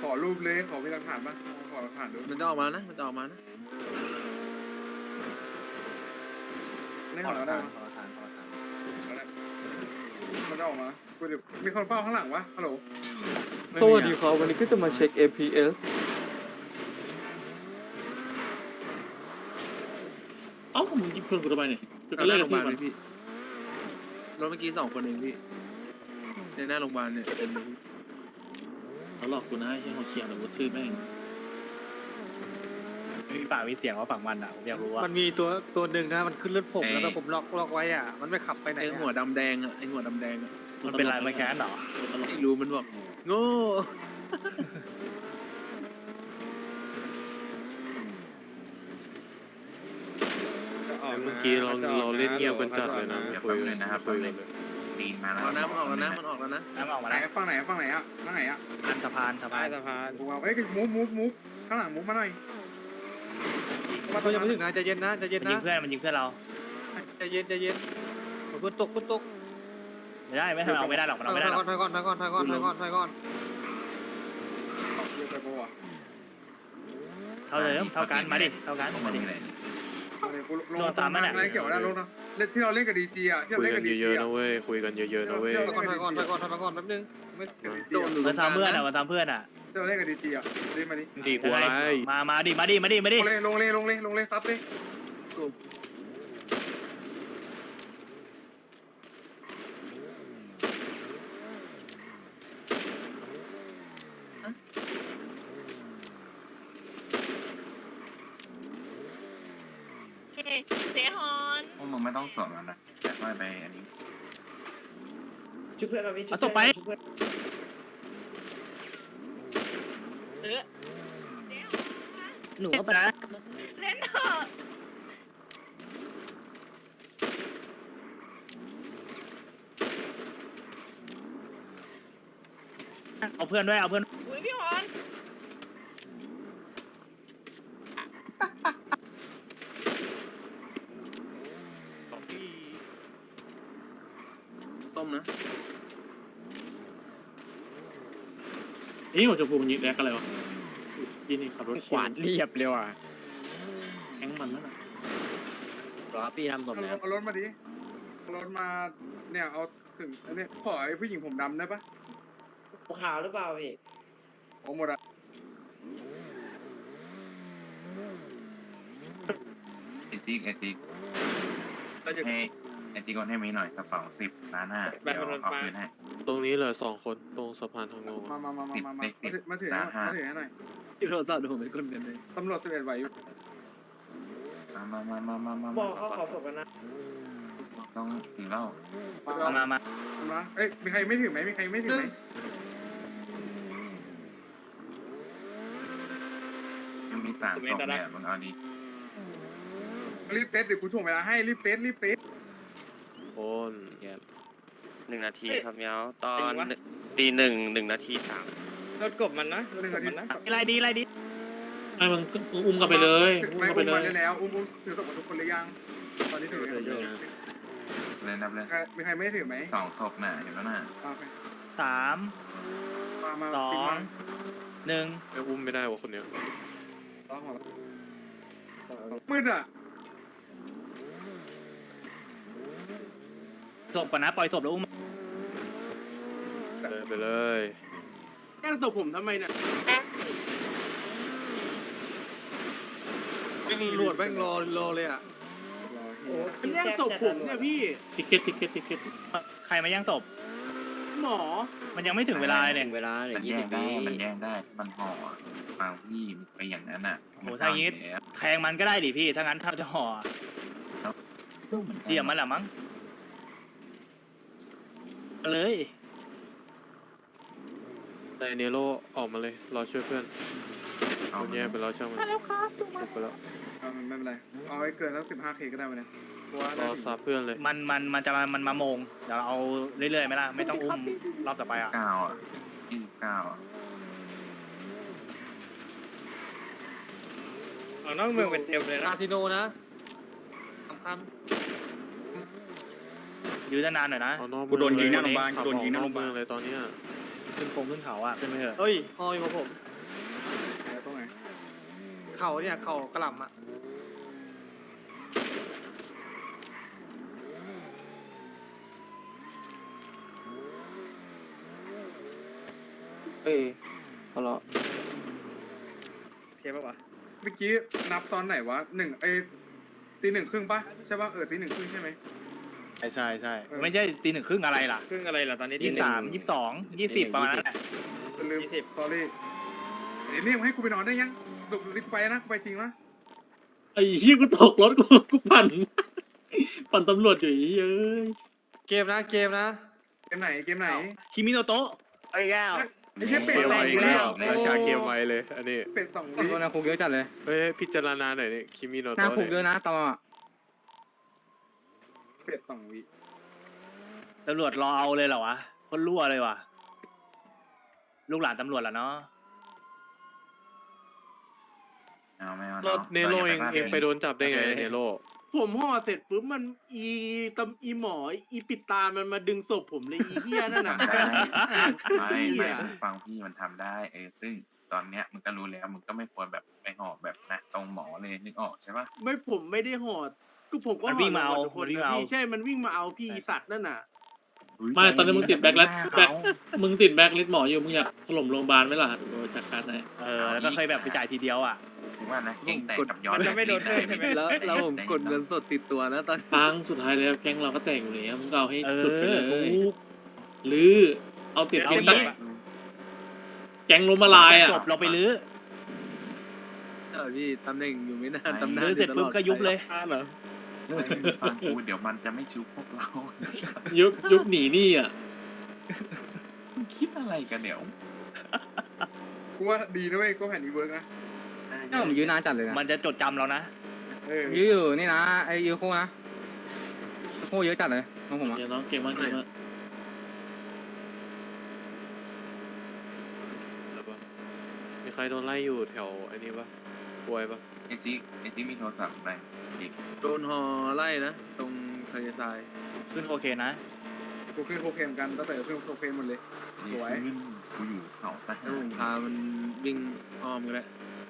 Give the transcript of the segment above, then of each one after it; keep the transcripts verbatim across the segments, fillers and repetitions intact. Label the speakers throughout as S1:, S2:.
S1: อรูปเลยขอมีหลักฐานปะขอหลักฐานดู
S2: มันจะออกมานะมันจะออกมานะ
S1: นี่ขอแล้วได้
S3: ขอทานขอทาน
S1: มันจะออกมากูเดี๋ยวมีคนเฝ้าข้างหลังวะฮัลโหล
S4: สวัสดีครับวันนี้ก็จะมาเช็ค เอ พี เอส
S5: เอ้ามึงยิงเพื่อนกูทำไมเนี่ยจะ
S2: เอาห
S5: เล่
S2: น้าน โร
S5: กับ
S2: งพยาบาล
S5: พี่
S2: เลยพี่รถเมื่อกี้สองคนเองพี่ในหน้าโรงพยาบาลเนี่ยเป็นเลยพี่
S5: เขาหลอกกูนะให้เขาเชียร์แต่กูทื่อแม่ง
S3: มีปากมีเสียงว่าฝั่งมันอ่ะผมอยากรู้ว่า
S4: มันมีตัวตัวหนึ่งนะมันขึ้นรถผมแล้วก็ผมล็อกล็อกไว้อ่ะมันไม่ขับไปไหน
S2: ไอหัวดำแดงอ่ะไอหัวดำแดงอ่ะ
S3: มันเป็นไรมันแค้นเหรอ
S2: ไม่รู้มันบอกโง่
S6: เมื่อกี้เราเราเล่นเงียบกันจัดเลยนะไม่คุยกันนะครับคุยกันเลย
S7: ตีนมาแล้ว
S2: เอานะมันออกแล้วนะมันออกแล้วนะ
S3: น้ำออกมา
S1: ไหน
S3: แล้ว
S1: ฝั่งไหนฝั่งไหนอะฝั่งไหนอะ
S3: อันสะพานสะพาน
S4: สะพาน
S1: กูเอาเอ้ยมูฟมูฟมูฟข้างหลังมูฟมาหน่อย
S4: เขายังไม่ถึงนะใจเย็นนะใจเย็น
S3: มันยิ
S4: นะ
S3: งเพื่อนมันยิงเพื่อนเรา
S4: ใจเย็นใจเย็นคุณตกคุณตก
S3: ไม่ได้ไม่ทำเอาไม่ได้หรอกมันเอาไม่ได้หรอก
S4: ถอยก่อนถอยก่อนถอยก่อนถอยก่อนถอยก่อน
S1: เยอะไปกูอะ
S3: เท่าเดิมเท่ากันมาดิเท่ากัน
S7: พวก
S3: มา
S7: มัน
S3: ดิ
S7: มีอะไร
S1: กูลงตามอะไรเกี่ยวได้ลงนะเล่นที่เราเล่นกับดีจีอะที่เรา
S6: คุย
S1: เล่น
S6: กั
S1: กัน บดี
S6: เย
S1: จี
S6: อะๆ
S1: อะ
S6: นะเว้ยคุยกันเยอะๆนะเว้ย
S4: ถอยก่อนถอยก่อนถอยก่อนถอยก่อนถอยก่อนแป๊บนึงไม่
S2: โดนหรือ
S3: มันทำเพื่อนอ่ะมันทำเพื่อนอ่ะ
S1: ที่เราเล่นกับดีจีอะเล่นมาดิ
S6: ดีกว่าไร
S3: มามาดิมาดิมาดิมาดิ
S1: ลงเลยลงเลยลงเลยลงเลยซัดเลย
S8: เซฮอน
S7: พวกมึงไม่ต้องสวมแล้วนะแต่ค่อยไปอันนี้
S9: ชุบเพื่อนเราพี่
S3: เอาศพไป
S9: ชุบเพื่อน
S8: เออ
S3: หนูก็ไปนะ
S8: เล่นเถอะ
S3: เอาเพื่อนด้วยเอาเพื่อน
S8: อุ้ยพี่ฮอน
S2: ต้มนะ
S5: นี่หัวชมพูมันยิงแรกอะไรวะยี่นี่ขับรถ
S3: ขวานเรียบเร็วอ่ะ
S5: แข้งมันนั่นน่ะ
S3: รอพี่ทำศพ
S1: เอา
S3: แล้ว
S1: เอารถมาดิเอารถมาเนี่ยเอาถึงอันนี้ขอไอ้ผู้หญิงผมดำได้ปะ
S9: ขาวหรือเปล่าพี่
S1: โอ้หมดอะ
S7: ไอติ๊กไอติ๊ก
S2: ก็จะ
S7: ให้ไอติ๊กโอนให้มีหน่อยกระเป๋าสิบล้านห้าเดี๋ยวเอาคืนให้
S6: ตรงนี้เหลือสองคนตรงสะพานทางลง
S1: มามามามามามา
S7: สิบ
S1: มาถือ
S7: สิ
S1: มา
S7: บ
S1: ถือให้หน่อย
S2: ที่โทรศัพท์ผมเป็นคนกันเลย
S1: ตำรวจสิบเอ็ดไหวอยู่
S7: มามามามามามา
S9: บอกเขาขอศพกันนะ
S7: ต้องถึงแล้ว
S1: มา
S3: มามามา
S1: มาเอ้ยมีใครไม่ถือไหมมีใครไม่ถือไหม
S7: มันมีสามศพเนี่ยมึงเอาดี
S1: รีบเซตเดี๋ยวกูถ่วงเวลาให้รีบเซตรีบเซต
S6: คน
S10: หนึ่งนาทีครับเมียวตอนตีหนึ่งหนึ่งนาทีสาม
S4: รถกบมันนะ
S1: หนึ่งนาทีนะ
S3: อะไรดีอะไรดี
S5: ไอ้มึงอุ้มกันไปเลยอุ้ม
S1: ไม่
S5: กันไป
S1: อุ้ม
S5: เล
S1: มาย ได้แล้วอุ้มอุ้มถือศพมาทุกคนเลยยังตอนนี้ถือ
S7: เลยนับเลย
S1: มีใครไม่ถือไหม
S7: สองศพน่ะเห็นแล้วน่ะ
S1: โอเค
S3: สาม
S1: มามา
S3: สอ
S1: จริง
S3: ง
S1: มา
S3: หนึ่ง
S6: ไม่อุ้มไม่ได้วะคนเนี้ย
S1: ต้องหัวมืดอ่ะ
S3: ศพก่อนนะปล่อยศพแล้วอุ้ม
S6: เลยไปเลย
S5: แกล้งศพผมทำไมเนี่ย
S4: ตำรวจแม่งรอรอเลยอ่ะ
S9: โอ้
S5: มันแย่งศพผมเนี่ยพี่ติเก็ตติเก็ตติเก็ต
S3: ใครมาย่างศพ
S5: หมอ
S3: มันยังไม่ถึงเวลาเนี่ย
S10: เวลาเหลื
S7: มั
S10: อน ยี่
S7: แย่
S10: สิ
S7: ง
S10: บ
S7: ได้
S10: วิ
S7: มันแย่งได้มันห่อฟังพี่ไปอย่างนั้นน่ะ
S3: โหถ้าอย่างงี้แทงมันก็ได้ดิพี่ถ้างั้นถ้าจะห่อเดี่ยมมันแหละมั้งเลย
S6: ไดเนโรออกมาเลยรอช่วยเพื่อนคนแย่ไปแล้วช่างมันจบไปแล้ว
S1: ไม่เป็นไรเอาไว้เกินสักสิบห้าเคก็ได้มาเนี่ยเพราะว่าร
S6: อซับเพื่อนเลย
S3: มันมันมันจะมามันมาโมงเดี๋ยวเอาเรื่อยๆไหมล่ะไม่ต้องอุ้มรอบต่อไปอ่ะ
S7: เก้าอ่ะยี่สิบเก้าอ่ะ
S4: เอานอกเมืองเป็นเต็มเลยนะคาสิโนนะสำคัญ
S3: ยื้อนานๆหน่อยนะ
S6: เอานอก
S5: กูโดนยิงหน้าโรงพยาบาล
S6: ขั
S5: โดนยิงหน้าโรงพยาบาล
S6: เมืองเลยตอนเนี้ย
S3: ขึ้นคงขึ้นเขาอ่ะขึ้นไปเถอะ
S4: เฮ้ยฮออยู่กับผมเข่าเนี่ยเข่ากระหล่ำอ่ะ
S6: เอ้ยเอาละ
S4: เทียบปะวะ
S1: เมื่อกี้นับตอนไหนวะหนึ่งเอยตีหนึ่งครึ่งปะใช่ปะเออตีหนึ่งครึ่งใช่ไหม
S3: ใช่ใช่ใช่
S1: เออ
S3: ไม่ใช่ตีหนึ่งครึ่งอะไรล่ะ
S4: ครึ่งอะไรล่ะตอนนี้
S3: ยี่สิบสามยี่สิบสองยี่สิบประมาณนั้นแหละ
S1: ลืมตอรี่เดี๋ยวเรียกมาให้กูไปนอนได้ยังดุรีบไปนะกูไปจริงนะ
S5: ไอ้เหี้ยกูตกรถกูกูปั่น ปั่นตำรวจอยู่ไอ้เหี้ยเอ้ย
S4: เกมนะเกมนะ
S1: เกมไหนเกมไหน
S3: คิมิโนโตะ
S4: ไอ้แก้ว
S1: ไอ้เหี้ยเป็ด
S6: เกม
S1: สอ
S6: ไว้
S1: ง
S6: อี
S1: วิ
S6: กแล้ว
S1: โอ้
S6: ราชาเกมไว้เลย อันนี้
S1: เป็ดสอง
S4: คน
S1: วิ
S4: นะคุกเยอะจัดเลย
S6: เฮ้ยพิจารณาหน่อยนี่คิมิโน
S4: หน้า
S6: โตะ
S4: คุกเย
S6: เนี่ย
S4: อะนะตอนอ่ะ
S1: เป็ดสองวิ
S3: ตำรวจรอเอาเลยเหรอวะคนรั่วเลยว่ะลูกหลานตำรวจเหรอเนาะ
S7: เอาไม่เอา
S6: รถเนโรเองเองไปโดนจับได้ไงเนโร
S5: ผมห่อเสร็จปุ๊บมันอีตำอีหมออีปิดตามันมาดึงศพผมเลยอีเหี้ยนั่นน่ะ
S7: ทำได้ไม่
S5: เหี้
S7: ไม่
S5: ย
S7: ฟังพี่มันทำได้เออซึ่งตอนเนี้ยมึงก็รู้แล้วมึงก็ไม่ควรแบบไปหอบแบบนะตรงหมอเลยนึกออกใช่ปะ
S5: ไม่ผมไม่ได้ห่อก็ผมก็
S3: มันวิ่งมาเอา
S5: ห่อทุกคน
S3: มันวิ่งมาเอา
S5: พี่ใช่มันวิ่งมาเอาพี่อีสัตว์นั่นน่ะ
S2: ไม่ตอนนี้มึงติดแบ็คแล้วแบ็คมึงติดแบ็คลิสต์หมออยู่มึงอยากถล่มโรงพยาบาลไหมล่ะโดยจัดการไหน
S3: เออแล้วก็เคยแบบไปจ่ายทีเดียวอ่ะ
S7: ถือว่านะเก่งแต่กับย้อน
S4: มันจะไม่โดนเพิ่มใช่ไหม
S2: แล้วแล้วผมกดเงินสดติดตัวนะตอนครั้งสุดท้ายแล้วแก๊งเราก็แตกอยู่แล้วมึงก็เอาให้
S3: เอ
S2: สุดไปเล
S3: อย ถูก
S2: หรือเอาติด
S3: เอา
S2: แก๊ง
S3: งี้
S2: แก๊งล้มละลายอ่ะ
S3: จบเราไปลื้อ
S2: เออพี่ตำแหน่งอยู่ไม่นานตำแหน่ง
S3: ลื้อเสร็จปุ๊บก็ยุบเลย
S7: ฟังกูเดี๋ยวมันจะไม่ชุบพวกเรา
S2: ยุบยุบหนีหนี่อ่ะ
S7: มึงคิดอะไรกันเดี๋ยว
S1: กูว่าดีนะเว้ยกูแผ่นนี้เวิร์กนะ
S4: นี่ผมยืนนานจัดเลยนะ
S3: มันจะจดจำเรานะ
S1: เออ
S4: ยืนอยู่นี่นะไอ้ยืนคู่นะคู่เยอะจัดเลยน้องผมอ่ะ
S2: เดี๋ยวน้องเก่งมากเก่งมาก
S6: แล้วปะมีใครโดนไล่อยู่แถวไอ้นี้ปะป่วยปะ
S7: ไอจิ๊กไอจิ๊กมีโทรศัพท์ไหมจิ๊ก
S2: โดนฮอไล่นะ ตรงทะเลทราย
S3: ขึ้นโอเคนะ
S1: กูขึ้นโคเคนกันตั้งแต่ขึ้นโคเคนหมดเลย สวย
S7: กูอยู่เขาท
S2: แล้ว
S7: หา
S2: ผ
S7: ร
S2: มพามันวิ่งอ้อมกันแล้ว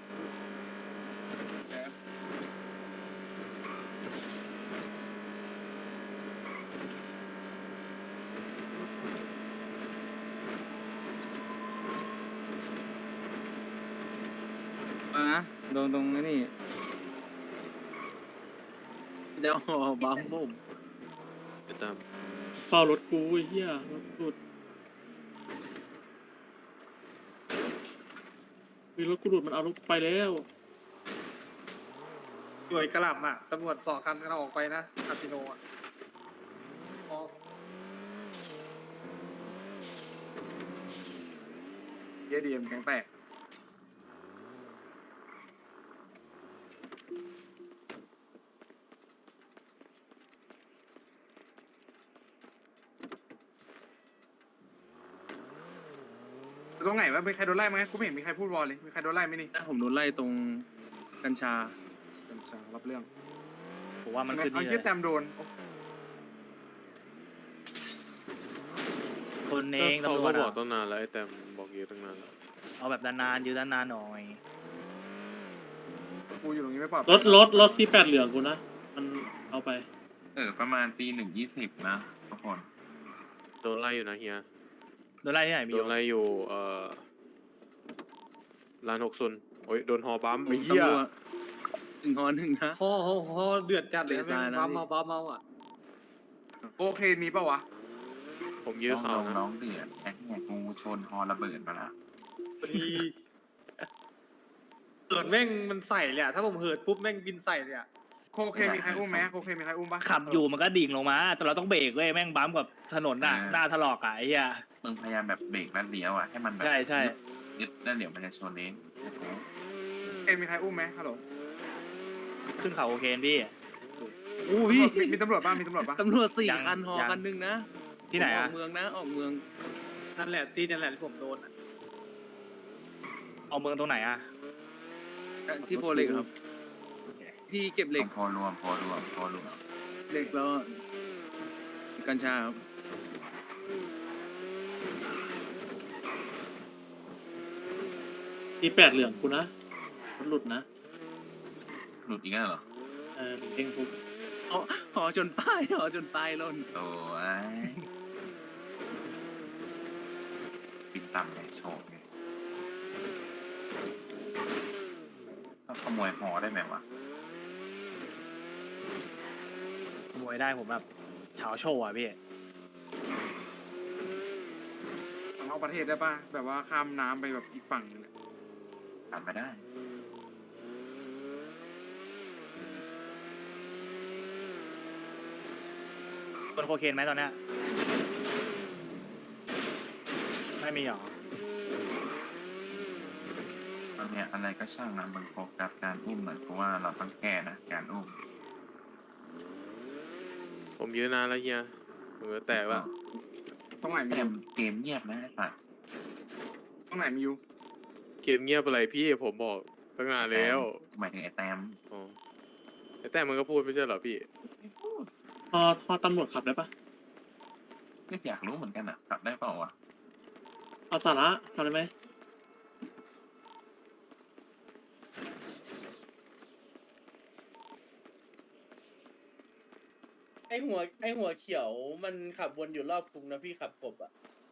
S4: เออนะโดนตรงนี้
S2: จะฮอบัมผม
S6: เดี๋ยวตาม
S2: เฝ้ารถกูไอ้เหี้ยรถหลุดมีรถกูหลุดมันเอารถกูไปแล้ว
S4: หน่วยกระหล่ำอ่ะตำรวจสองคันกันออกไปนะคาสิโนอ่ะออก
S1: เยดีเอ็มแข็งแตกตรงไหนวะมีใครโดนไล่ไหมกูไม่เห็นมีใครพูดวอลเลยมีใครโดนไล่ไหมนี่
S2: นะผมโดนไล่ตรงกัญชา
S1: กัญชารับเรื่อง
S3: ผมว่ามันขึ้น
S1: เอา
S3: นี่เล
S1: เยี่ย
S3: ย
S1: แตมโดนโอ้
S3: คนเอง
S6: เขา
S3: ตำรว
S6: ก็
S3: จ
S6: บอก
S3: อะ
S6: ตั้งนานแล้วไอ้แต้มบอกเยอะตั้งนานแล้ว
S3: เอาแบบนานๆยืนนานๆหน่อย
S1: กูอยู่ตรงนี้ไม่ปลอดภัย
S2: รถรถรถซีแปดเหลืองกูนะ มันเอาไป
S7: เออประมาณตีหนึ่งยี่สิบนะทุกคน
S6: โดนไล่อยู่นะเฮีย
S3: โดนไล่ที่ไหนมี
S6: โด
S3: โย
S6: นไล่อยู่เอ่อร้านหกซุนโอ้ยโดนหอบัมไอ้เหี้ย
S2: ตำรวจหนึ่งฮอหนึ่งนะ
S4: โอ้โหโหเดือดจัดเลย
S2: เลซ่านะ
S4: บ้าเมาบ้าเมาอ่ะ
S1: โอเคมีปะวะ
S6: ผมยื้อเขา
S7: น้อง
S6: นะ
S7: น้องเดือดแอ๊กเนี่ยกูชนฮอระเบิดมาละ
S4: พอดีเหิดแม่งมันใส่เลยอ่ะถ้าผมเหิดปุ๊บแม่งบินใส่เลยอ่ะ
S1: โคเคมีใครอุ้มไหมโคเคมีใครอุ้มปะ
S3: ขับอยู่มันก็ดิ่งลงมา แต่เราต้องเบรกเว้ยแม่งบัมกับถนนน่ะหน้าถลอกอ่ะไอ้เหี้ย
S7: มึงพยายามแบบเบรกแล้วเลี้ยวอ่ะให้มันแบบ
S3: ใช่ใช่
S7: ยึดแล้วเดี๋ยวมันจะชนเอง
S1: เคมีใครอุ้มไหมฮัลโหล
S3: ขึ้นเขาโอเคพี่
S2: อู้พี่
S1: มีมีตำรวจบ้างมีตำรวจปะ
S2: ตำรวจสี่
S3: ยัง
S2: คันฮอ
S3: ยัง
S2: คันหนึ่งนะ
S3: ที่ไหน
S2: ออ
S3: อ่ะ
S2: กเมืองนะ ออกเมือง
S4: นั่นแหละที่นั่นแหละที่ผมโดนอ่ะ
S3: เอาเมืองตรงไหนอ่ะ
S2: ที่โพเหล็กครับ ที่เก็บเหล็ก
S7: พอรวมพอรวมพอรวม
S2: เหล็กแล้วกัญชาครับ ที่แปดเหลืองกูนะมันหลุดนะ
S7: หลุดอีกแล้วเหรอ
S2: เออเด้งปุ๊บ
S3: อ๋ออ๋อจนป้ายอ๋อจนป้ายล่น
S7: โอ้ยปินต่ำไงโชว์ไงต้องขโมยหอได้ไหมวะ
S3: ขโมยได้ผมแบบเฉาโชว์อ่ะพี่
S1: นอกประเทศได้ป่ะแบบว่าข้ามน้ำไปแบบอีกฝั่งนึงอะ
S7: ทำไม่ได้
S3: คนโคเคนไหมตอนเนี้ยไม่มีหรอ
S7: ตอนเนี้ยอะไรก็ช่างนะมึงโฟกัสการอุ้มหน่อยเพราะว่าเราต้องแก้นะการอุ้ม
S6: ผมยืนนานแล้วเฮียผมจะแตกแล้ว
S1: ตรงไหนมี
S7: แต่
S1: อยู่
S7: เกมเงียบนะไอ้สัตว์
S1: ตรงไหนมีอยู่
S6: เกมเงียบอะไรพี่ผมบอกตั้งนานแล้ว
S7: หมายถึงไอ้แต้ม
S6: อ๋อแต่มันก็พูดไม่ใช่เหรอพี่
S2: พอพอตำรวจขับได้ปะ
S7: ก็อยากรู้เหมือนกันอ่ะกลับได้เปล่าวะ
S2: เอาสาระทำได้ไหม
S5: ไอหัวไอหัวเขียวมันขับวนอยู่รอบคุงนะพี่ขับกบอ่ะ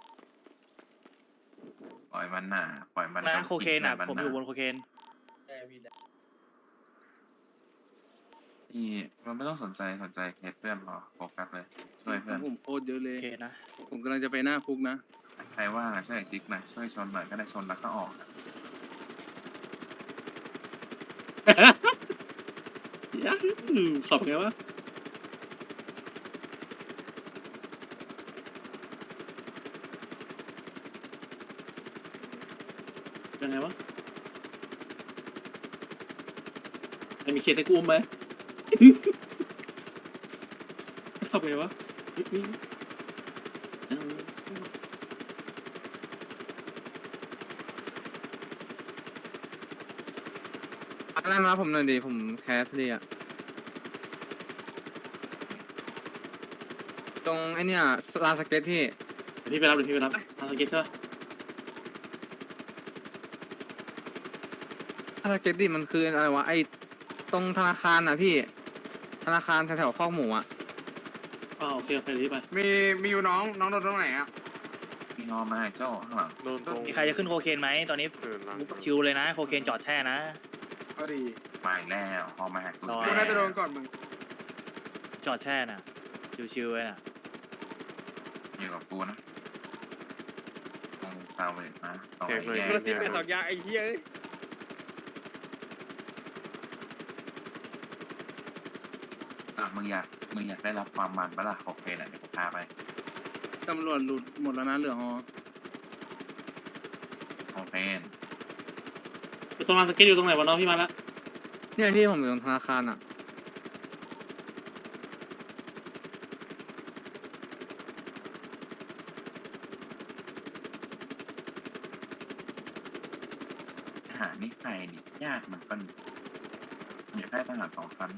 S7: ปล่อยมันหน่าปล่อยมัน
S3: นะโคเคนอ่ะ
S7: ปล่
S3: ผมอยู่บนโคเคน
S5: แต่พี่นะ
S7: ที่มันไม่ต้องสนใจสนใจเคสเพื่อนพอโฟกัสเลยช่วยเพื่อน
S4: ผมโคตรเยอะเล
S3: โอย เคนะ
S4: ผมกำลังจะไปหน้าคุกนะ
S7: ใครว่างอะช่วยจิ๊กหน่อยช่วยชนหน่อยก็ได้ชนแล้วก็ออกอะ
S2: ยะอืมขับไงวะยังไงวะไอ้มีเคสให้กูอุ้มไหม ขับไงวะเฮ้ยนี่เอา
S4: อะไรมาผมหน่อยดิผมแคสเลยอะตรงไอเนี่ยลานสเก็ตพี่
S2: เดี๋ยวพี่ไปรับเดี๋ยวพี่ไปรับเอาสเก็ตใช่ปะ
S4: ลานสเก็ตดิมันคืออะไรวะไอตรงธนาคารอ่ะพี่ ธนาคารแถวๆคอกหมูอ่ะ
S2: อ๋อโอเคโอเคเดี๋ยวพี่ไป
S1: มีมีอยู่น้องน้องโดนตรงไหนอ่ะ
S7: พี่งอมาให้โจ้ข้างหลัง
S6: โดนตรง
S3: มีใครจะขึ้นโคเคนไหมตอนนี้
S6: เออหลัง
S3: ชิวเลยนะโคเคนจอดแช่นะ
S1: ก็ดี
S7: มาอีกแล้วพอมาหากู
S3: รอ
S1: กูน่าจะโดนก่อนมึง
S3: จอดแช่น่ะชิวๆเลยน่ะ
S7: อยู่กับกูนะตรงซาวเวตนะตรง
S6: แขกเลย
S7: ไอ้
S6: ก
S7: แย
S6: ระ
S7: ก
S6: ซิบ
S7: เนี่ย
S6: ไปสองยาไอ้เหี้ย
S7: อ่ะมึงอยากมึงอยากได้รับความมันปะล่ะโอเคนะเดี๋ยวกูพาไป
S4: ตำรวจหลุดหมดแล้วนะเหลือฮอ
S7: โอเค
S2: อยู่ตรงลานสเก็ตอยู่ตรงไหนวะน้องพี่มาแล้ว
S4: เนี่ยพี่ผมอยู่ตรงธนาคารอ่ะ
S7: หานี่ใครนี่ยากเหมือนกันมันอยากได้ทหารสองชั้น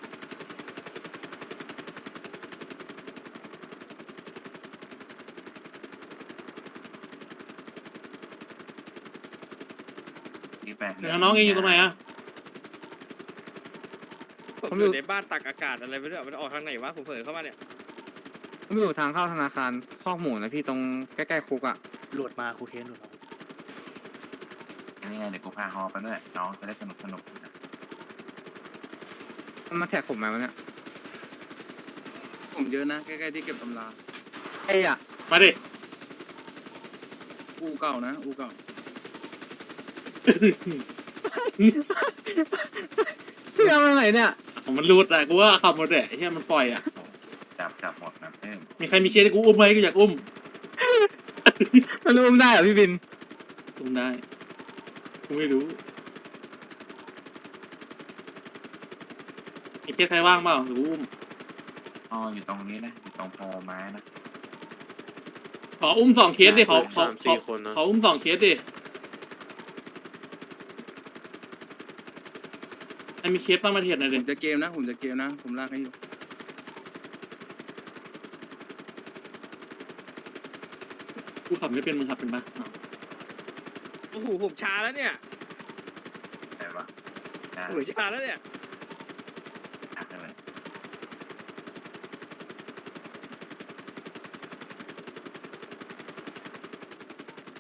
S7: นี่แปลก
S2: เดี๋ยวน้องเองอยู่ตรงไหนอะ
S6: ผมอยู่ในบ้านตักอากาศอะไรไม่รู้อะมันออกทางไหนวะผมเผลอเข้ามาเนี่ย
S4: ผมอยู่ทางเข้าธนาคารคอกหมูนะพี่ตรงใกล้ๆคุกอ่ะ
S3: หลุดมาโคเคนหลุดมา
S7: นี่ไงเดี๋ยวกูพาฮอไปด้วยน้องจะได้สนุกสนุกนะ
S4: มันมาแท็กผมไหมวะเนี่ยผมเยอะนะใกล้ๆที่เก็บตำรา
S2: ไอ้อะมาดิ
S4: อูเก่านะอูเก่า
S5: พี่เอามาไหนเนี่ย
S2: ผมมันรูดอะกูว่าขับหมดเลยไอ้เหี้ยมันปล่อยอะ
S7: จับจับหมดนะเพิ่ม
S2: มีใครมีเคสให้กูอุ้มไหมกูอยากอุ้ม
S5: มันรู้ได้เหรอพี่บิน
S2: อุ้มได้กูไม่รู้ไอ้เคสใครว่างเปล่าหรือกูอุ้ม
S7: อ๋ออยู่ตรงนี้นะอยู่ตรงโพไม้นะ
S2: ขออุ้มสองเคสดิเขาเขา
S6: สาม
S2: เขา
S6: สี่คนนะ
S2: เขาอุ้มสองเคสดิไอ้มีเคสบ้างมาเทียบหน่อย
S4: ผ
S2: ดิ
S4: มจะเกมนะ ผมจะเกมนะ ผมลากให้อยู่
S2: กูขับไม่เป็นมึงขับเป็นปะอ้าว
S6: โอ้โหผมชาแล้วเนี่ย
S7: ใช่ปะนะ
S6: ผมชาแล้วเนี่ย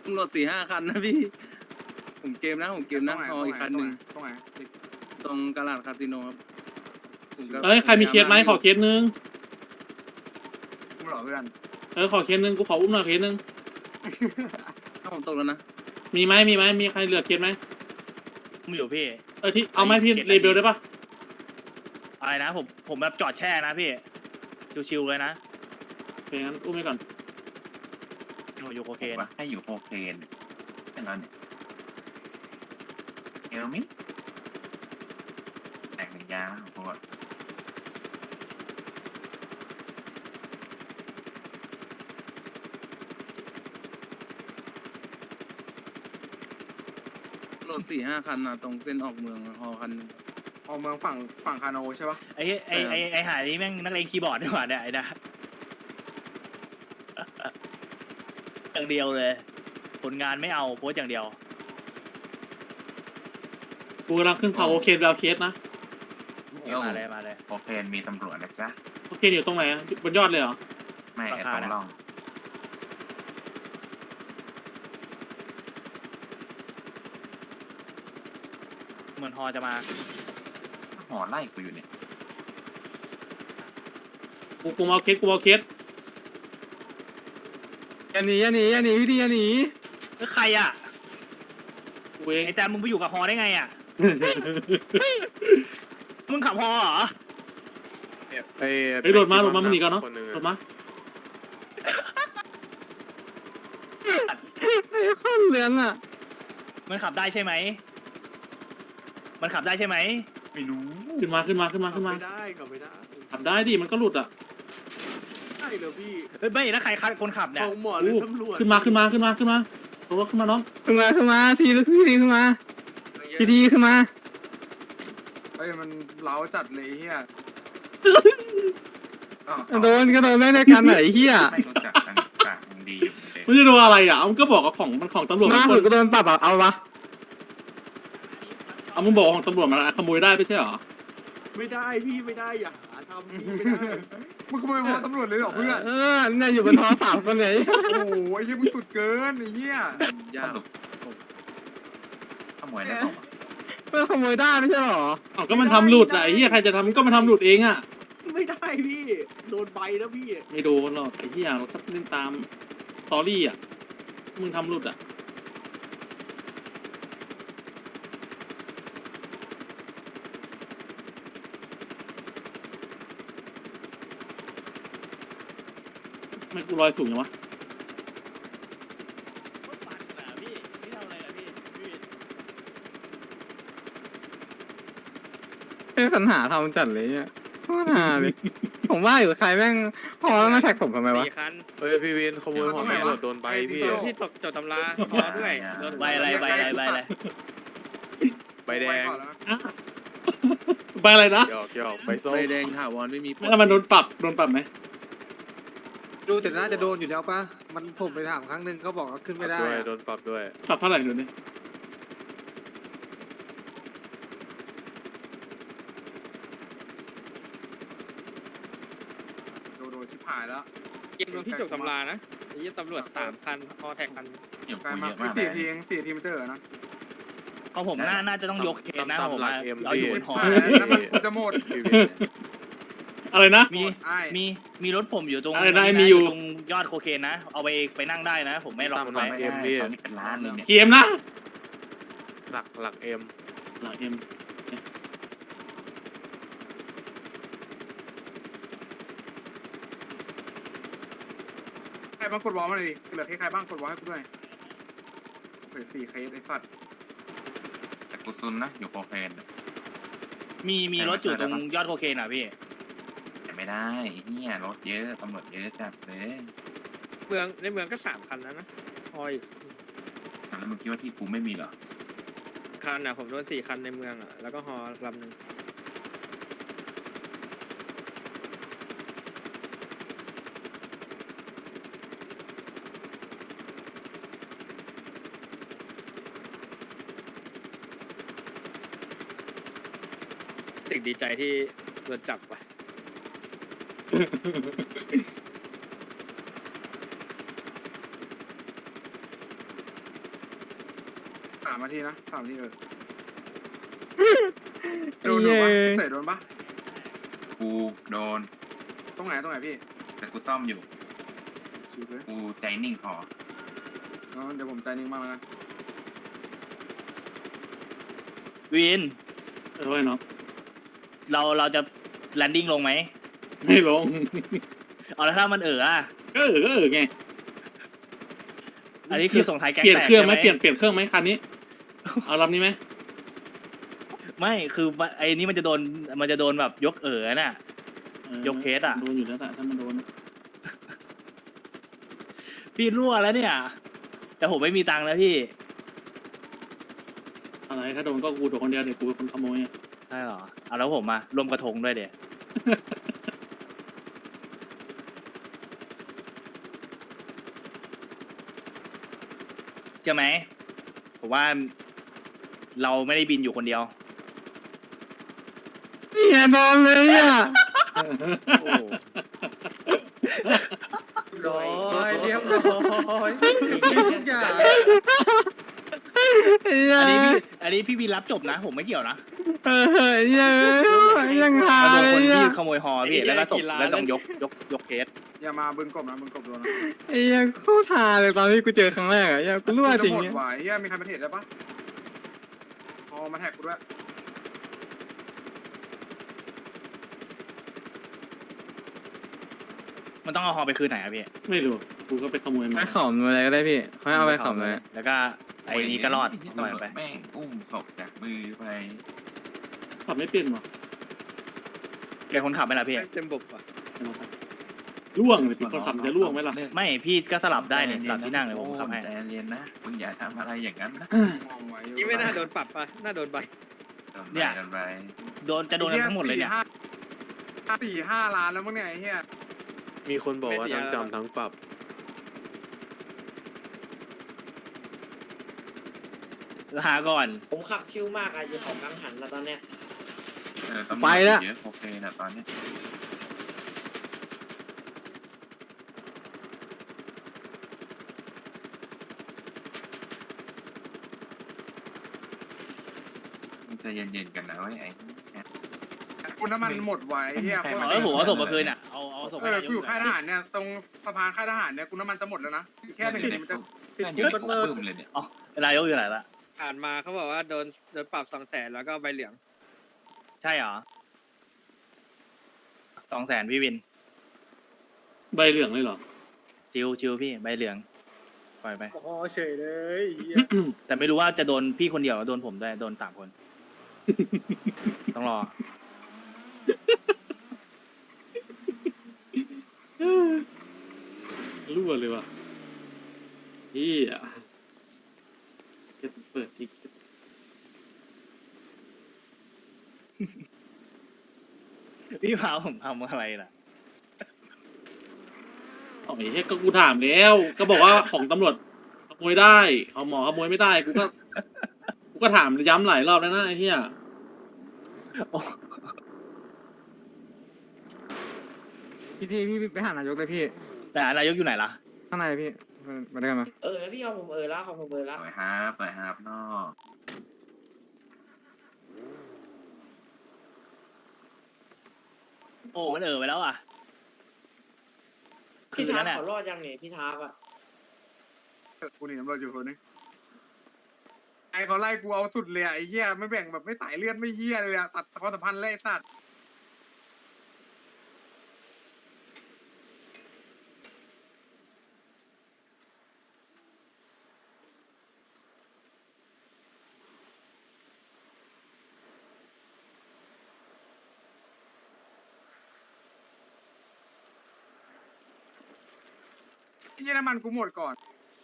S4: ตำรวจสี่ห้าคันนะพี่ ผมเกมนะผมเกมนะฮออีกคันหนึ่ง
S1: ตรงไหน
S4: ตรงกาลาดคาสิโนครับผมก็
S2: เอ้ยใครมีเคสไหมขอเคสนึง
S1: มึงเหรอเพื่อน
S2: เออขอเคสนึงกูขออุ้มหน่อยเคสนึง
S4: ถ้าผมตกแล้วนะ
S2: มีไหมมีไหมมีใครเหลือเคสไหม
S3: มึงอยู่พี่
S2: เออที่เอาไหมพี่เลเบลได้ปะ
S3: อะไรนะผมผมแบบจอดแช่นะพี่ชิวๆเลยนะ
S2: โอเคงั้นอุ้มไปก่อน
S3: หนูอยู่โค
S7: โอ
S3: เค
S7: เคน ว่าให้อยู่โอเคนแค่นั้นเนี่ยเอลมิแต่งหนึ่งยาวพวก
S4: ตำรวจสี่ห้าคันนะตรงเส้นออกเมืองฮอคันหนึ่ง
S1: ออกเมืองฝั่งฝั่งคาโนใช่ปะ
S3: ไอ้ไอ้ไอ้ไอ้หายนี่แม่งนักเลงคีย์บอร์ดดีกว่าเนี่ยไอ้นะอย่างเดียวเลย ผลงานไม่เอาโพสต์อย่างเดียว
S2: กูกำลังขึ้นเขาโอเคแล้วเคสนะ
S7: เอ้า
S3: มาเลยมาเลย
S7: โอเคนมีตำรวจนะจ๊ะ
S2: โอเคอยู่ตรงไหนอะบนยอดเลยเหรอ
S7: ไม่ไอ้
S3: รา
S7: ต
S3: คา
S7: รง
S3: น่ะ
S7: ร่อง
S3: เหมือนฮอจะมา
S7: หอไล่กูอยู่เนี่ย
S2: กูกูมาเอาเคสกูมาเอาเคส
S4: อย่าหนีอย่าหนีอย่าหนีพี่ดีอย่าหนี
S3: เอ้ยใครอ่ะ
S2: กูเอง
S3: ไอ้แจมมึงไปอยู่กับฮอได้ไงอ่ะ มึงขับฮอเหรอ
S6: ไอ้
S2: เฮ้ยโดดมาโดดมามึงหนีก่อนเนาะ
S6: คหง
S2: โดดมา
S4: ไอ้ข้อนเลือนอ่ะ
S3: มันขับได้ใช่ไหม มันขับได้ใช่ไหม
S7: ไม่รู้
S2: ขึ้นมาขึ้นมาขึ้นมาขึ้นมา
S5: ไม่ได้กลับไม่ได้
S2: ขับได้ดิมันก็หลุดอ่ะ
S5: ใช่เหรอพี่
S3: เฮ้ยไม่แล้วใครคัดคนขับเนี่ย
S5: ของหมอหรือตำรวจ
S2: ขึ้นมาขึ้นมาขึ้นมาขึ้นมาลงรถขึ้นมาน้อง
S4: ขึ้นมาขึ้นมาทีพี่ทีขึ้นมาพี่ทีขึ้นมา
S1: เอ้ยมันเล้าจัดเลยเฮีย
S7: ก็
S4: โดนก็โดนไม่ได้กันไหนเฮีย
S7: ไม่รู้จักกันจากยังดีอยู่เหมือนเดิม
S2: ไม่ได้ดูอะไรอ่ะเอามึงก็บอกว่าของมันของตำรวจ
S4: มา
S2: มัน
S4: สุดก็โดนปรับอ่ะเอาวะ
S2: เอามึงบอกว่าของตำรวจมันขโมยได้ไม่ใช่เหรอ
S5: ไม่ได้พี่ไม่ได้อย่าหาทำพี่ไม่ได้
S1: มึงขโมยหอตำรวจเลยเหรอเพื่อน
S4: เออเนี่ยอยู่บนท้อสามคนไหน
S1: โอ้โหไอ้เหี้ยมึงสุดเกินไอ้เหี้ย
S7: สรุปขโมยได้หรอ
S4: เพื่อขโมยได้ไม่ใช่หรอ
S2: เอาก็มันทำหลุดอ่ะไอ้เหี้ยใครจะทำก็มันทำหลุดเองอ่ะ
S5: ไม่ได้พี่โดนใบแล้วพี่
S2: ไม่โดนหรอกไอ้เหี้ยเราก็เล่นตามสตอรี่อ่ะมึงทำหลุดอ่ะไม่กูลอยสูงยังวะ
S4: เป็นสัญหาทำจัดเลยเนี่ยโคตรหาเลยผมว่าอยู่ใครแม่งพอแล้วมาแท็กผมทำไมวะ
S10: สี่คัน
S6: เฮ้ยพี่วินขโมยของตำรวจโดนใบพี่
S10: ที่ตกจดตำราฮอด้วยโดน
S3: ใบอะไรใบอะไรใบอะไร
S6: ใบแดง
S2: อ่ะไปอะไรนะ
S6: หยอกหยอกใบส้ม
S4: ใบแดงถาวรไม่มีผล
S2: แล้วมันโดนปรับโดนปรับไหม
S11: ดูแต่น่าจะโดนอยู่แล้วปะมันผมไปถามครั้งหนึ่งเขาบอกว่าขึ้นไม่ได้
S6: ด้วย
S11: อะ
S6: โดนปรับด้วย
S2: ปรับเท่าไหร่เดี๋ยวนี้
S1: โดนโดนชิบหายแล้ว
S10: เกมลงที่จบตำรานะไอ้ยี่ตำรวจสามคันฮอแท็กคัน
S7: อยู่
S1: กลาย
S7: กู
S1: มา
S7: เยอะมากเล
S1: สี่
S7: ย
S1: ทีเองสี่ทีมันเจอนะ
S3: ของผมน่าน่าจะต้องยกเคสนะผมว่าเอาอยู่บนฮอ
S1: แล้วมันกูจะหมด
S6: พี่วิน
S2: อะไรนะ
S3: มี
S1: ไอ้
S3: มีมีรถผมอยู่ตรง
S2: อะไรนะไอ้มีอยู่
S3: ตรงยอดโคเคนนะ เอาไปไปนั่งได้นะ ผมไม่ล็อก
S6: ตาม
S3: มัน
S6: หลั
S3: ไว้
S6: ก
S7: ไม่ได้ตอนนี้เป็นล้านเลยเนี่ย
S2: เกมนะ
S6: หลักหลักเอ็ม
S2: หลักเอ็ม
S1: ใครบ้างกดวอลมาเลยดิเหลือแค่ใครบ้างกดวอลให้กูด้วยเฮ้ยสี่เคสไอ้สัตว์
S7: แต่กูซุนนะอยู่โอเคน
S3: มีมีรถอยู่ตรงยอดโคเคนอ่ะพี่
S7: แต่ไม่ได้ไอ้เนี่ยรถเยอะตำรวจเยอะจัดเลย
S10: เมืองในเมืองก็สามคันแล้วนะฮออีก
S7: แล้วมึงคิดว่าที่กูไม่มีเหรอ
S10: คันอ่ะผมโดนสี่คันในเมืองอ่ะแล้วก็ฮอลำหนึ่งสิ่งดีใจที่โดนจับว่ะ
S1: สามนาทีนะสามนาทีเออโดนโดนปะเตะโดนปะ
S7: กูโดน
S1: ตรงไหนตรงไหนพี่
S7: แต่กูซ่อมอยู่
S1: ชิวเลย
S7: กูใจนิ่งพอ
S1: งั้นเดี๋ยวผมใจนิ่งมากแล้วกัน
S3: วิน
S2: เออไว้เนาะ
S3: เราเราจะแลนดิ้งลงไหม
S2: ไม่ลง
S3: เอาแล้วถ้ามันเอออะ
S2: ก็เออก็เออไง
S3: อันนี้คือส่งท้ายแก๊ง
S2: เปลี่ยน
S3: แตก
S2: เครื่องไหม
S3: ใช่
S2: เปลี่ยนเปลี่ยนเครื่องไหมคันนี้ เอาลำนี้ไหม
S3: ไม่คือไอ้นี่มันจะโดนมันจะโดนแบบยกเออน่ะ
S2: ออย
S3: กเคสอะ
S2: โดนอยู่แล้วแต่ถ้ามันโดน
S3: พี่รั่วแล้วเนี่ย แต่ผมไม่มีตังค์แล้วพี่
S2: อะไรถ้าโดนก็กูโดนคนเดียวเดี๋ยวกูเป็นคนขโมยอะ
S3: ใช่เหรอเอาแล้วผมมารวมกระทงด้วยเดี๋ยว ใช่ไหมผมว่าเราไม่ได้บินอยู่คนเดียว
S4: เนี่ยโดนเลยอ่ะ
S3: โอ้
S11: ร้อยเรียบร้อยทุกอย่าง
S4: เนี่ย
S3: อันนี้พี่อันนี้พี่บินรับจบนะ ผมไม่เกี่ยวนะ
S4: เออเนี่ยยังหา
S3: เราโดน
S4: เล
S3: คน
S4: ย
S3: ที่
S4: อ่ะ
S3: ขโมยฮอพี่แล้วก็ตบแล้วต้องยกยกยกเคส
S1: อย่ามาบึงกบนะบึงกบโดนนะ
S4: ไอ้ยังโคตรหาเลยตอนที่กูเจอครั้งแรกอ่ะยังกูรั่วจริง
S1: จะหมด
S4: เนี่ย
S1: ไหวเฮียมีใครมาเทรดได้ปะอ๋อมาแท็กกูด้วย
S3: มันต้องเอาฮอไปคืนไหนอะพี่
S2: ไม่รู้กูก็ไปขโมย
S4: ไป
S2: มา
S4: ขอมอะไรก็ได้พี่ค่อยเอาไปขอมเลย
S3: แล้วก็ไอ้นี้ก็รอด
S7: ที่
S3: ปล่อย
S7: ตำรวจ
S3: ไป
S7: แม่งอุ้มศพจากมือไป
S2: ขับไม่เป็นหรอ
S3: เดี๋ยวคนขับไหมล่ะพี่
S11: เต็มบบอ่ะ
S2: ล่วงเลยคนขับจะล่วงไหมล่ะ
S3: ไม่พี่ก็สลับได้เนี่ยสลับที่นั่งเลยผมขับให้
S7: ใจเย็นนะมึงอย่าทำอะไรอย่างนั้นนะ
S1: มองไว้
S11: นี่ไม่น่าโดนปรับป่ะน่าโดนใบ
S7: โดนไป
S3: เนี่ย
S7: โดนไป
S3: โดนจะโดนกันทั้งหมดเลยเนี่ย
S1: สี่ห้าสี่ห้าล้านแล้วมั้งเนี่ยไอ้เฮีย
S6: มีคนบอกว่าทั้งจำทั้งปรับ
S3: หาก่อน
S9: ผมขับชิลมากอะอยู่ของกังหันแล้วตอนเนี้ย
S7: เออตำรวจ
S4: ไปแล้ว
S7: เยอะโอเคนะตอนเนี้ย มึงใจเย็นๆกันนะเว้ยไอ้เนี่ย
S1: คุณน้ำมันหมดไว้เฮียโคตร
S3: เออผมเอาส่งมาคืนอ่ะเอาเอาส่ง
S1: เอ
S3: ให้
S1: อ
S3: นา
S1: กู
S3: ย
S1: อก ยู่ค่ายทหารเนี่ยตรงสะพานค่ายทหารเนี่ยกูน้ำมันจะหมดแล้วนะอีกแค่หนึ่งนาทีมันจะ
S7: เพื่อนอยู่ในกลุ่มเลยเนี่ย
S3: นายกอยู่ไหนละ
S11: อ่านมาเขาบอกว่าโดนโดนปรับสองแสนแล้วก็ใบเหลือง
S3: ใช่เหรอสองแสนพี่วิน
S2: ใบเหลืองเลยเหรอ
S3: ชิวชิวพี่ใบเหลืองปล่อยไป
S11: อ๋อเฉยเลยเหี้ย
S3: แต่ไม่รู้ว่าจะโดนพี่คนเดียวหรือโดนผมด้วยโดนสามคน ต้องรอ
S2: รั่วเลยว่ะเฮียจะเปิดทิก
S3: พี่พาผมทำอะไรล่ะ
S2: อ๋อไอ้เฮียก็กูถามแล้ว ก็บอกว่าของตำรวจขโมยได้ของหมอขโมยไม่ได้กูก็กูก็ถามย้ำหลายรอบแล้วนะไอ้เฮีย
S4: พี่พี่พี่ไปหานายกเลยพี่
S3: แต่นายกอยู่ไหนล่ะ
S4: ข้างในพี่มาด้วยกันมา
S9: เออแล้วพี่เอาผมเออแล้วของผมเออแล้ว
S7: ปล่อยฮาร์ปปล่อยฮาร์ปนอก
S3: โอ้มันเออไปแล้วอ่ะ
S9: พี่
S3: คืน
S9: ทา
S3: นั้
S9: ร์
S3: นเนี่ย
S9: เขารอดยังเนี่ยพี่ทาร์อะ
S1: กูหนีตำรวจอยู่คนนึงไอเขาไล่กูเอาสุดเลยอะไอ้เหี้ยไม่แบ่งแบบไม่สายเลือดไม่เหี้ยเลยอะตัดความสัมพันธ์เลยไอ้สัตว์ ไอ้เหี้ยน้ำมันกูหมดก่อน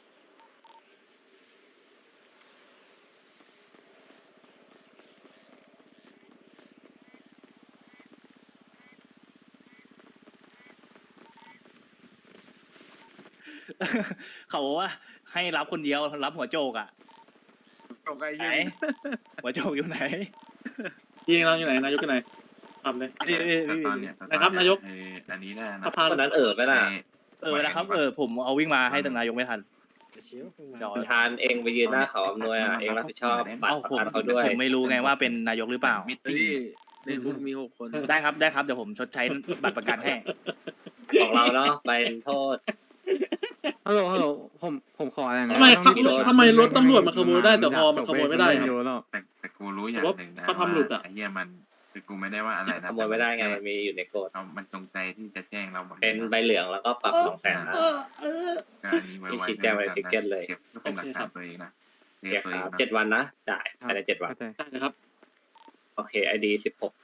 S3: เขาบอกว่าให้รับคนเดียวรับหัวโจกอ่ะ
S1: จบไอ้
S3: ไหน
S1: เหี้ย
S3: หัวโจกอยู่ไหน
S2: ยิงเราอยู่ไหนนายกอยู่ไหนทำเลย
S3: นี่นี่
S7: แต่
S3: นี่
S7: ตอนเนี้ย
S2: นะครับนายก
S7: เอออันนี้ได้นะ
S2: สะพานนั้นเออ
S7: ไม่ได้
S3: เออนะครับเออผมเอาวิ่งมาให้ทางนายกไม่ทันเดี๋ยว
S10: ทานเองไปยืนหน้าเขาอำนวยอ่ะเองรับผิดชอบบัต
S3: เอ้าร
S10: ประ
S3: ผม
S10: กันเขาด้วย
S3: ผมไม่รู้ไงว่าเป็นนายกหรือเปล่า
S7: มิตติ้ง
S11: ในคุกมีหกคน
S3: ได้ครับได้ครับเดี๋ยวผมชดใช้บัตรประกันให้
S10: ของเราเนาะไปโทษ
S4: ฮัลโหลฮัลโหลผมผมขออะไรนะ
S2: ทำไมครับ
S4: ต้อง
S2: ทำไมรถตำรวจมันขโมยได้แต่ฮอมันขโมยไม่ได้ครับ
S4: เยวหรอก
S7: แต่แต่กูรู้อย่างหนึ่งนะ
S2: เขาทำหลุดอะ
S7: ไอ้เหี้ยมันคือกูไม่ได้ว่าอะไรนะ
S10: ขโมยไม่ได้ไงมันมีอยู่ในกฎ
S7: เอามันจงใจที่จะแจ้งเราหมดลย
S10: เป็นใบเหลืองแล้วก็ปรับสองแสนนะ
S7: ก็อันนี้ไว้
S10: ที่
S7: ไว้
S10: ชี้แจงไว้ ticket เลย
S7: เก็บเพื่อเป็นหลักฐานตัวเองนะ
S10: โอเคครับเจ็ดวันนะจ่ายภายในเจ็ดวัน
S4: เข้าใจ
S2: ได้นะครับ
S10: โอเคไอดีสิบหก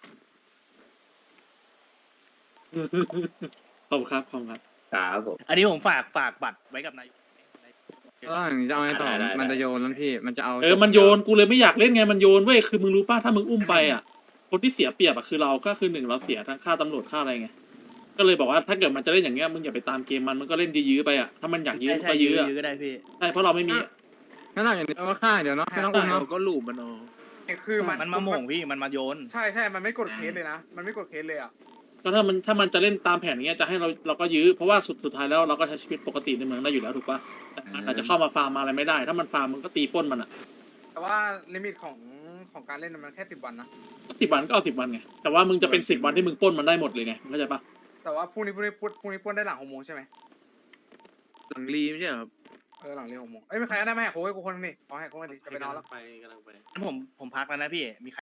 S2: ขอบคุณครับขอบคุณครับ
S10: ครับผม
S3: อันนี้ผมฝากฝากบัตรไว้กับนายก
S4: ก็อย่างนี้จะเอาไงต่อ
S10: ได้ได้ได้
S4: มันจะโยนแล้วพี่มันจะเอา
S2: เออมันโยนกูเลยไม่อยากเล่นไงมันโยนเว้ยคือมึงรู้ป่ะถ้ามึงอุ้มไปอ่ะคนที่เสียเปรียบอ่ะคือเราก็คือหนึ่งเราเสียทั้งค่าตำรวจค่าอะไรไงก็เลยบอกว่าถ้าเกิดมันจะเล่นอย่างเงี้ยมึงอย่าไปตามเกมมันมันก็เล่นยื้อๆไปอ่ะถ้ามันอยากยื้อ
S3: ใช่
S2: มัน
S3: ใช่
S2: ก็
S3: ยื้
S2: ยื้
S3: อ
S2: ออะ
S3: ยื้อก็ได้พี่
S2: ใช่เพราะเราไม่มี
S4: งั้นหลังอย่างนี้เราก็ฆ่าเดี๋ยวเนาะไม่ต้องอุ้มเนาะ
S11: เราก็หลูบมันเอา
S1: คือมัน
S3: มันมาโหม่งพี่มันมาโยน
S1: ใช่ใช่มันไม่กดเคสเลยนะ มันไม่กดเคสเลยอ่ะ
S2: ก็ถ้ามันถ้ามันจะเล่นตามแผนอย่างเงี้ยจะให้เราเราก็ยื้อเพราะว่าสุดสุดท้ายแล้วเราก็ใช้ชีวิตปกติในเมืองได้อยู่แล้วถูกป่ะแต่มันอาจจะเข้ามาฟาร์มมาอะไรไม่ได้ ถ้ามันฟาร์มมันก็ตีปล้นมันอ่ะ
S1: แต่ว่าลิมิตของของการเล่นมันแค่สิบวันนะ
S2: สิบวันก็เอาสิบวันไงแต่ว่ามึงจะเป็นสิบวันที่มึงปล้นมันได้หมดเลยไงเข้าใจป่ะ
S1: แต่ว่าพรุ่งนี้พรุ่งนี้พรุ่งพรุ่งนี้ปล้นได้หลังหกโมงใช่ไหม
S11: หลังรีไม่ใช่เหรอครับ
S1: เออหลังเรียนหกโมงเอ้ยไม่ใครก็ได้ไม่แหกโค้งให้กูคนนึงนี่ขอแหกโค้งกันดิจะไปนอนแล้ว
S5: ไปกำลังไป
S3: ผมผมพักแล้วนะพี่มีใคร